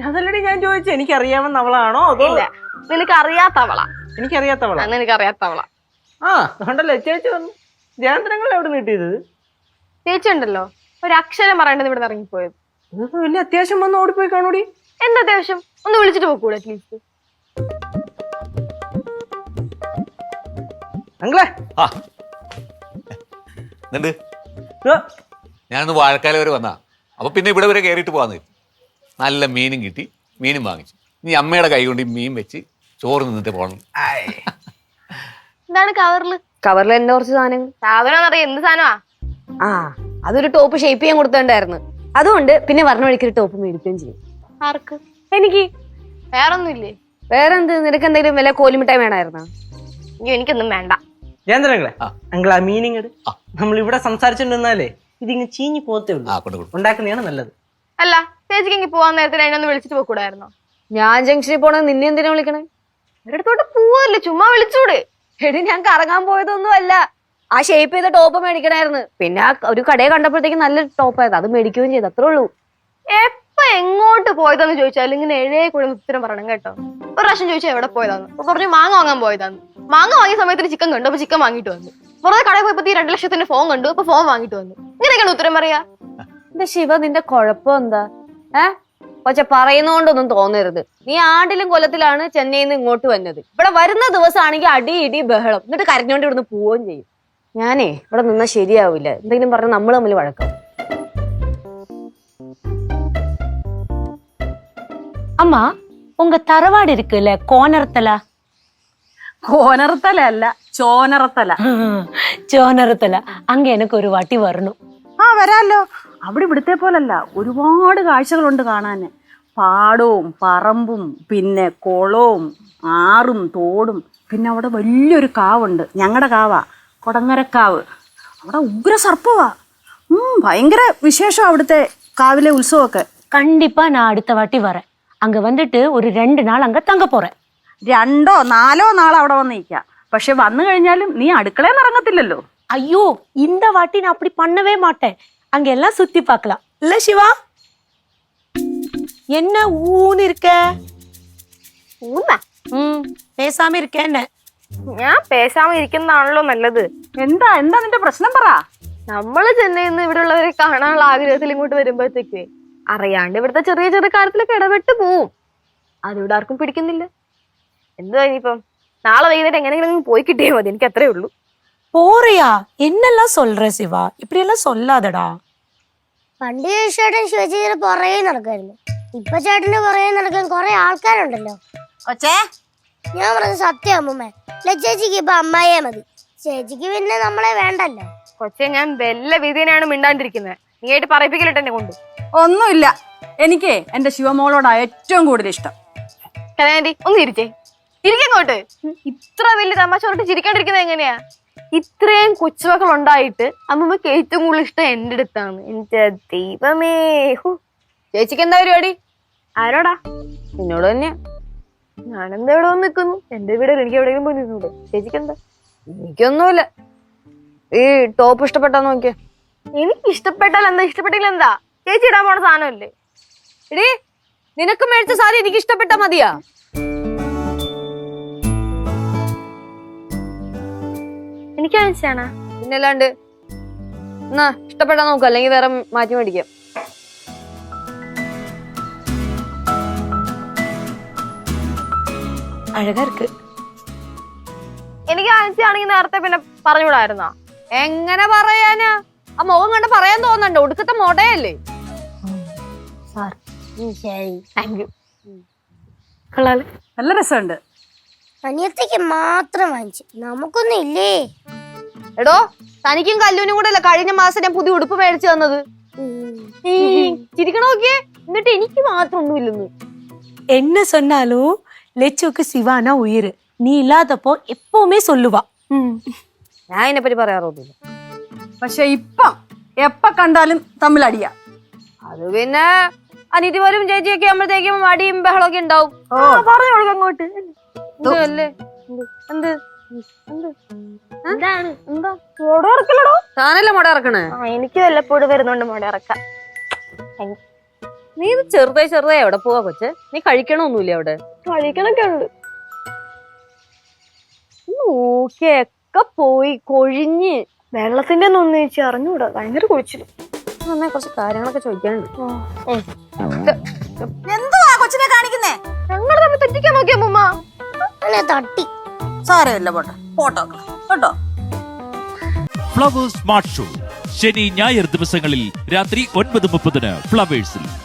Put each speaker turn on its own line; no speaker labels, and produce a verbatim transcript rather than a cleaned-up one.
അതല്ലടി ഞാൻ ചോദിച്ചു, എനിക്കറിയാവുന്ന അവളാണോ അതോ?
നിനക്ക് അറിയാത്തവള.
എനിക്കറിയാത്തവള.
നിനക്ക് അറിയാത്തവള.
ആ കണ്ടല്ലേ ചേച്ചി വന്നു. ജയന്ത്രങ്ങൾ എവിടെ നീട്ടിയത്?
ചേച്ചി ഉണ്ടല്ലോ ഒരു അക്ഷരം പറയേണ്ടത് ഇവിടെ ഇറങ്ങിപ്പോയത്.
വലിയ അത്യാവശ്യം വന്ന് ഓടിപ്പോയി കാണൂടി.
എന്താ അത്യാവശ്യം? ഒന്ന് വിളിച്ചിട്ട് പോക്കൂടെ അറ്റ്ലീസ്റ്റ്.
അങ്ങളെ
ഞാനൊന്ന് വാഴക്കാല വരെ വന്നാ, അപ്പൊ പിന്നെ ഇവിടെ വരെ കയറിയിട്ട് പോവാന്ന്. നല്ല മീനും കിട്ടി, മീനും വാങ്ങിച്ചു. നീ അമ്മയുടെ കൈ കൊണ്ട് മീൻ വെച്ച് ചോറ് നിന്നിട്ട് പോകണം.
എന്താണ് കവറില്?
കവറിൽ എന്റെ കുറച്ച് സാധനങ്ങൾ.
സാധനം അറിയാം. എന്ത് സാധനമാ?
ആ അതൊരു ടോപ്പ് ഷേപ്പ് ചെയ്യാൻ കൊടുത്തിട്ടുണ്ടായിരുന്നു. അതുകൊണ്ട് പിന്നെ പറഞ്ഞ വഴിക്കൊരു ടോപ്പ് മേടിക്കുകയും ചെയ്യും.
ആർക്ക്?
എനിക്ക്.
വേറൊന്നുമില്ലേ?
വേറെന്ത്? നിനക്ക് എന്തെങ്കിലും വില കോലിമിട്ടായി വേണമായിരുന്നോ?
അയ്യോ എനിക്കൊന്നും വേണ്ട.
ജയന്ത്രങ്ങളെ അങ്കിൾ ആ മീനിങ് നമ്മൾ ഇവിടെ സംസാരിച്ചിട്ടുണ്ടെന്നാലേ ഇതിങ്ങ് ചീഞ്ഞു പോകത്തേ ഉള്ളൂ. ഉണ്ടാക്കുന്നതാണ് നല്ലത്.
അല്ല ചേച്ചിക്ക് പോവാൻ നേരത്തെ അതിനൊന്ന് വിളിച്ചിട്ട് പോകൂടായിരുന്നോ?
ഞാൻ ജംഗ്ഷനിൽ പോണത് നിന്നെ എന്തിനാ വിളിക്കണേ?
ഒരിടത്തോട്ട് പോവല്ലേ, ചുമ്മാ വിളിച്ചൂടെ?
എടി ഞാൻ കറങ്ങാൻ പോയതൊന്നും അല്ല, ആ ഷേപ്പ് ചെയ്ത ടോപ്പ് മേടിക്കണായിരുന്നു. പിന്നെ ആ ഒരു കടയെ കണ്ടപ്പോഴത്തേക്ക് നല്ല ടോപ്പ് ആയത്, അത് മേടിക്കുകയും ചെയ്തു. അത്രേ ഉള്ളൂ.
എപ്പൊ എങ്ങോട്ട് പോയതാന്ന് ചോദിച്ചാൽ ഇങ്ങനെ എഴയെ കൂടെ ഉത്തരം പറയണം കേട്ടോ. ഒരു പ്രാവശ്യം ചോദിച്ചാൽ എവിടെ പോയതാന്ന്, അപ്പൊ പറഞ്ഞു മാങ്ങ വാങ്ങാൻ പോയതാന്ന്. മാങ്ങ വാങ്ങിയ സമയത്തിന് ചിക്കൻ കണ്ടു, അപ്പൊ ചിക്കൻ വാങ്ങിട്ട് വന്നു. വെറുതെ കടയിൽ പോയപ്പോ ഈ രണ്ടു ലക്ഷത്തിന്റെ ഫോൺ കണ്ടു, അപ്പൊ ഫോൺ വാങ്ങിട്ട് വന്നു. ഇങ്ങനെയൊക്കെയാണ് ഉത്തരം പറയാ.
എന്റെ ശിവ, നിന്റെ കുഴപ്പം എന്താ? ഏഹ് പക്ഷെ പറയുന്നോണ്ടൊന്നും തോന്നരുത്. നീ ആണ്ടിലും കൊല്ലത്തിലാണ് ചെന്നൈയിൽ നിന്ന് ഇങ്ങോട്ട് വന്നത്. ഇവിടെ വരുന്ന ദിവസമാണെങ്കിൽ അടി ഇടി ബഹളം, എന്നിട്ട് കരഞ്ഞോണ്ട് ഇവിടുന്ന് പോവുകയും ചെയ്യും. ഞാനേ ഇവിടെ നിന്നാ ശരിയാവില്ല. എന്തെങ്കിലും പറഞ്ഞ നമ്മൾ തമ്മിൽ വഴക്കാം.
அம்மா உங்க தரவாடு இருக்குல்ல கோனரத்தல?
கோனரத்தல அல்ல, ചോനറത്തല.
ചോനറത്തല. അങ്ങ് എനിക്ക് ഒരു വാട്ടി വരണം.
ആ വരാല്ലോ. അവിടെ ഇവിടുത്തെ പോലല്ല, ഒരുപാട് കാഴ്ചകളുണ്ട് കാണാന്. പാടവും പറമ്പും പിന്നെ കുളവും ആറും തോടും. പിന്നെ അവിടെ വലിയൊരു കാവുണ്ട്, ഞങ്ങളുടെ കാവാ, കൊടങ്ങരക്കാവ്. അവിടെ ഉഗ്ര സർപ്പവാ. ഉം ഭയങ്കര വിശേഷം അവിടുത്തെ കാവിലെ ഉത്സവമൊക്കെ.
കണ്ടിപ്പാ நான் അടുത്ത വാട്ടി வரேன். அங்க வந்துட்டு ஒரு ரெண்டு நாள் அங்க தங்க போறேன்.
രണ്ടോ നാലോ നാൾ അവിടെ വന്ന് നിൽക്കാം. പക്ഷെ വന്നു കഴിഞ്ഞാലും നീ അടുക്കളയിൽ ഇറങ്ങത്തില്ലല്ലോ.
ஐயோ இந்த வாட்டி நான் அப்படி பண்ணவே மாட்டேன். அங்க எல்லாம் சுத்தி பார்க்கலாம் இல்ல சிவா? என்ன ஊன்னு இருக்க?
ഊന്നാ?
ம் பேசாம இருக்க என்ன?
ഞാൻ പേശാമ ഇരിക്കുന്നതാണല്ലോ നല്ലത്.
എന്താ എന്താ നിന്റെ പ്രശ്നം പറ.
നമ്മള് ചെന്നൈയിൽ നിന്ന് ഇവിടെ ഉള്ളവരെ കാണാനുള്ള ആഗ്രഹത്തിൽ ഇങ്ങോട്ട് വരുമ്പോഴത്തേക്ക് അറിയാണ്ട് ഇവിടുത്തെ ചെറിയ ചെറിയ കാര്യത്തിലൊക്കെ ഇടപെട്ട് പോവും. അതിവിടെ ആർക്കും പിടിക്കുന്നില്ല. എന്തുവാ ഇനിയിപ്പം നാളെ വൈകുന്നേരം എങ്ങനെയെങ്കിലും പോയി കിട്ടിയാൽ മതി, എനിക്ക് അത്രേ ഉള്ളൂ.
போறியா? என்னெல்லாம் சொல்ற சிவா? இப்படி எல்லாம் சொல்லாதடா.
പണ്ട് ചേട്ടൻ ശിവചേച്ചിയുടെ പുറകെ നടക്കായിരുന്നു. ഇപ്പൊ ചേട്ടന്റെ പുറകെ നടക്കാൻ കുറെ ആൾക്കാരുണ്ടല്ലോ.
കൊച്ചേ,
ഞാൻ പറഞ്ഞ സത്യം അമ്മൂമ്മ. ചേച്ചിക്ക് ഇപ്പൊ അമ്മായിയെ മതി, ചേച്ചിക്ക് പിന്നെ നമ്മളെ വേണ്ടല്ലോ.
കൊച്ചെ ഞാൻ വല്ല വിധിനാണ് മിണ്ടാണ്ടിരിക്കുന്നത്. നീ ആയിട്ട് പറയിപ്പിക്കലിട്ട് എന്നെ കൊണ്ട്.
ഒന്നുമില്ല, എനിക്ക് എന്റെ ശിവമോളോടാ ഏറ്റവും കൂടുതൽ ഇഷ്ടം.
കനാൻഡി ഒന്ന് ഇരിച്ചേ, ഇരിക്കങ്ങോട്ട്. ഇത്ര വലിയ തമാശ പറഞ്ഞിട്ട് ചിരിക്കാണ്ടിരിക്കുന്നത് എങ്ങനെയാ? ഇത്രയും കൊച്ചുമക്കൾ ഉണ്ടായിട്ട് അമ്മമ്മക്ക് ഏറ്റവും കൂടുതൽ ഇഷ്ടം എന്റെ അടുത്താണ്. എന്റെ ദൈവമേ.
ചേച്ചിക്ക് എന്താ പരിപാടി?
ആരോടാ?
എന്നോട് തന്നെ.
ഞാനെന്താ ഇവിടെ വന്ന് നിൽക്കുന്നു? എന്റെ വീട് എനിക്ക് എവിടെയെങ്കിലും പോയി നിന്നൂടെ? ചേച്ചിക്ക് എന്താ?
എനിക്കൊന്നുമില്ല. ഈ ടോപ്പ് ഇഷ്ടപ്പെട്ടാ നോക്കിയ.
എനിക്ക് ഇഷ്ടപ്പെട്ടാൽ എന്താ, ഇഷ്ടപ്പെട്ടില്ല എന്താ? ചേച്ചി ഇടാൻ പോണ സാധനമല്ലേ?
എടീ, നിനക്ക് മേടിച്ച സാരി എനിക്ക് ഇഷ്ടപ്പെട്ടാ മതിയാ?
എനിക്ക് മനസ്സിലാണ.
പിന്നല്ലാണ്ട് എന്നാ ഇഷ്ടപ്പെട്ടാ നോക്കാം, അല്ലെങ്കിൽ വേറെ മാറ്റി മേടിക്കാം.
அழகா இருக்கு.
എനിക്ക് ആണെങ്കിൽ നേരത്തെ പിന്നെ പറഞ്ഞുകൂടായിരുന്നോ?
എങ്ങനെ പറയാനാ? ആ മുഖം കണ്ട് പറയാൻ തോന്നണ്ടോ? ഒടുക്കത്തെ മോടയല്ലേ?
നല്ല രസമുണ്ട്.
അനിയത്തേക്ക് മാത്രം വാങ്ങിച്ചു, നമുക്കൊന്നും ഇല്ലേ?
എടോ, തനിക്കും കല്ലൂനും കൂടെ അല്ല കഴിഞ്ഞ മാസം ഞാൻ പുതിയ ഉടുപ്പ് മേടിച്ചു തന്നത്. ചിരിക്കണ നോക്കിയേ. എന്നിട്ട് എനിക്ക് മാത്രം ഒന്നുമില്ലെന്ന്.
என்ன சொன்னாலும் லெச்சுக்கு சிவானா உயிர். நீ இல்லாதப்போ எப்பவுமே சொல்லுவா.
ഞാൻ ഇതിനെപ്പറ്റി പറയാറൊന്നുമില്ല.
പക്ഷെ ഇപ്പം എപ്പ കണ്ടാലും തമ്മിൽ അടിയാ.
അത് പിന്നെ അനിയത്തിമാരും ചേച്ചിയൊക്കെ ആകുമ്പോഴത്തേക്കും അടിയും ബഹളമൊക്കെ ഉണ്ടാവും.
പറഞ്ഞു കൊടുക്ക അങ്ങോട്ട്.
അല്ലേ? എന്ത്
എന്താണ്?
എന്താ
മുട ഇറക്കലടോ?
താനല്ലേ മുട ഇറക്കണേ?
എനിക്ക് വല്ലപ്പോഴും വരുന്നുണ്ട് മുട ഇറക്കാം.
നീ ഇത് ചെറുതാ ചെറുതാ എവിടെ പോവാ കൊച്ചെ? നീ കഴിക്കണമൊന്നുമില്ല അവിടെ?
കഴിക്കണൊക്കെ ഉണ്ട്.
നോക്കിയൊക്കെ പോയി കൊഴിഞ്ഞ്.
വെള്ളത്തിന്റെ ഒന്നും ചേച്ചി അറിഞ്ഞൂടാ, ഭയങ്കര കുഴിച്ചിലും.
നന്നായി കുറച്ച് കാര്യങ്ങളൊക്കെ ചോദിക്കാനുണ്ട്.
എന്തുവാ കൊച്ചിനെ കാണിക്കുന്നേ?
ഞങ്ങൾ തമ്മിൽ തെറ്റിക്കാൻ നോക്കിയ മുമ്മ
അങ്ങനെ തട്ടി.
സാരമില്ല പോട്ടെ, പോട്ടോ കേട്ടോ.
ഫ്ലവേഴ്സ് സ്മാർട്ട് ഷോ ശനി ഞായർ ദിവസങ്ങളിൽ രാത്രി ഒൻപത് മുപ്പതിന് ഫ്ലവേഴ്സിൽ.